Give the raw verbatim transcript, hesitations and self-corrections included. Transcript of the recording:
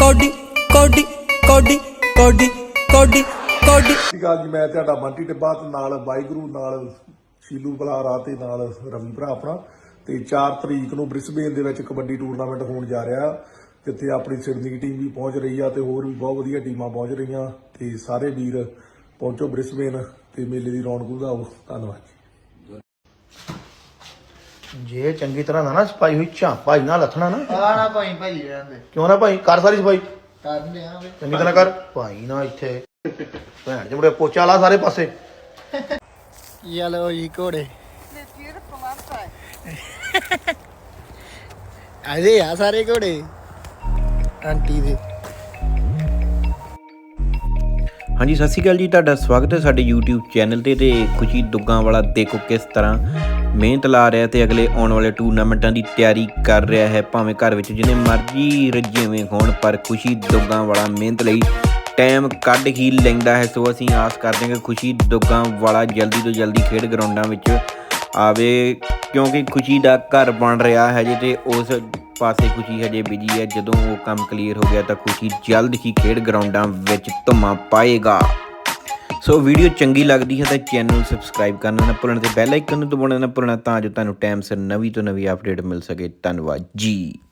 Cody ਕੋਡੀ ਕੋਡੀ ਕੋਡੀ ਕੋਡੀ ਕੋਡੀ। ਸਤਿ ਸ਼੍ਰੀ ਅਕਾਲ ਜੀ, ਮੈਂ ਤੁਹਾਡਾ ਬੰਟੀ ਟਿੱਬਾ ਤੇ ਨਾਲ ਵਾਹਿਗੁਰੂ ਨਾਲ ਸ਼ੀਲੂ ਬਲਾਰਾ ਤੇ ਨਾਲ ਰਵੀ ਭਰਾ ਆਪਣਾ। ਤੇ ਚਾਰ ਤਰੀਕ ਨੂੰ ਬ੍ਰਿਸਬੇਨ ਦੇ ਵਿੱਚ ਕਬੱਡੀ ਟੂਰਨਾਮੈਂਟ ਹੋਣ ਜਾ ਰਿਹਾ, ਜਿੱਥੇ ਆਪਣੀ ਸਿਡਨੀ ਦੀ ਟੀਮ ਵੀ ਪਹੁੰਚ ਰਹੀ ਆ ਤੇ ਹੋਰ ਵੀ ਬਹੁਤ ਵਧੀਆ ਟੀਮਾਂ ਪਹੁੰਚ ਰਹੀਆਂ। ਤੇ ਸਾਰੇ ਵੀਰ ਪਹੁੰਚੋ ਬ੍ਰਿਸਬੇਨ ਤੇ ਮੇਲੇ ਦੀ ਰੌਣਕ ਵਧਾਓ। ਧੰਨਵਾਦ ਜੀ। ਜੇ ਚੰਗੀ ਤਰ੍ਹਾਂ ਨਾ ਨਾ ਸਫਾਈ ਹੋਈ ਝਾਂਪਾ ਨਾ ਲੱਥਣਾ ਨਾ ਆ ਨਾ ਭਾਈ ਭਾਈ ਰਹਿੰਦੇ ਕਿਉਂ ਨਾ ਭਾਈ ਕਰ ਸਾਰੀ ਸਫਾਈ ਕਰਦੇ ਆ ਵੇ ਚੰਗੀ ਤਰ੍ਹਾਂ ਕਰ ਭਾਈ ਨਾ ਇੱਥੇ ਭੈਣ ਜਿਹੜੇ ਪੋਚਾ ਲਾ ਸਾਰੇ ਪਾਸੇ। ਯੈਲੋ ਜੀ ਘੋੜੇ ਆਦੇ ਆ ਸਾਰੇ ਘੋੜੇ ਆਂਟੀ ਦੇ। ਹਾਂਜੀ ਸਤਿ ਸ਼੍ਰੀ ਅਕਾਲ ਜੀ, ਤੁਹਾਡਾ ਸਵਾਗਤ ਹੈ ਸਾਡੇ YouTube ਚੈਨਲ ਤੇ। ਤੇ ਖੁਸ਼ੀ ਦੁੱਗਾਂ ਵਾਲਾ ਦੇਖੋ ਕਿਸ ਤਰ੍ਹਾਂ ਮਿਹਨਤ ਲਾ ਰਿਹਾ ਤੇ ਅਗਲੇ ਆਉਣ ਵਾਲੇ ਟੂਰਨਾਮੈਂਟਾਂ ਦੀ ਤਿਆਰੀ ਕਰ ਰਿਹਾ ਹੈ। ਭਾਵੇਂ ਘਰ ਵਿੱਚ ਜਿੰਨੇ ਮਰਜ਼ੀ ਰੱਜੇਵੇਂ ਹੋਣ, ਪਰ ਖੁਸ਼ੀ ਦੁੱਗਾਂ ਵਾਲਾ ਮਿਹਨਤ ਲਈ ਟਾਈਮ ਕੱਢ ਹੀ ਲੈਂਦਾ ਹੈ। ਸੋ ਅਸੀਂ ਆਸ ਕਰਦੇ ਹਾਂ ਕਿ ਖੁਸ਼ੀ ਦੁੱਗਾਂ ਵਾਲਾ ਜਲਦੀ ਤੋਂ ਜਲਦੀ ਖੇਡ ਗਰਾਊਂਡਾਂ ਵਿੱਚ ਆਵੇ, ਕਿਉਂਕਿ ਖੁਸ਼ੀ ਦਾ ਘਰ ਬਣ ਰਿਹਾ ਹੈ ਜੇ ਤੇ ਉਸ ਪਾਸੇ ਖੁਸ਼ੀ ਹਜੇ ਬਿਜੀ ਹੈ। ਜਦੋਂ ਉਹ ਕੰਮ ਕਲੀਅਰ ਹੋ ਗਿਆ ਤਾਂ ਖੁਸ਼ੀ ਜਲਦ ਹੀ ਖੇਡ ਗਰਾਊਂਡਾਂ ਵਿੱਚ ਧੁੰਮਾਂ ਪਾਏਗਾ। ਸੋ ਵੀਡੀਓ ਚੰਗੀ ਲੱਗਦੀ ਹੈ ਤਾਂ ਚੈਨਲ ਨੂੰ ਸਬਸਕ੍ਰਾਈਬ ਕਰਨਾ ਨਾ ਭੁੱਲਣਾ ਤੇ ਬੈਲ ਆਈਕਨ ਨੂੰ ਦਬਾਉਣਾ ਨਾ ਭੁੱਲਣਾ, ਤਾਂ ਜੋ ਤੁਹਾਨੂੰ ਟਾਈਮ ਸਿਰ ਨਵੀਂ ਤੋਂ ਨਵੀਂ ਅਪਡੇਟ ਮਿਲ ਸਕੇ। ਧੰਨਵਾਦ ਜੀ।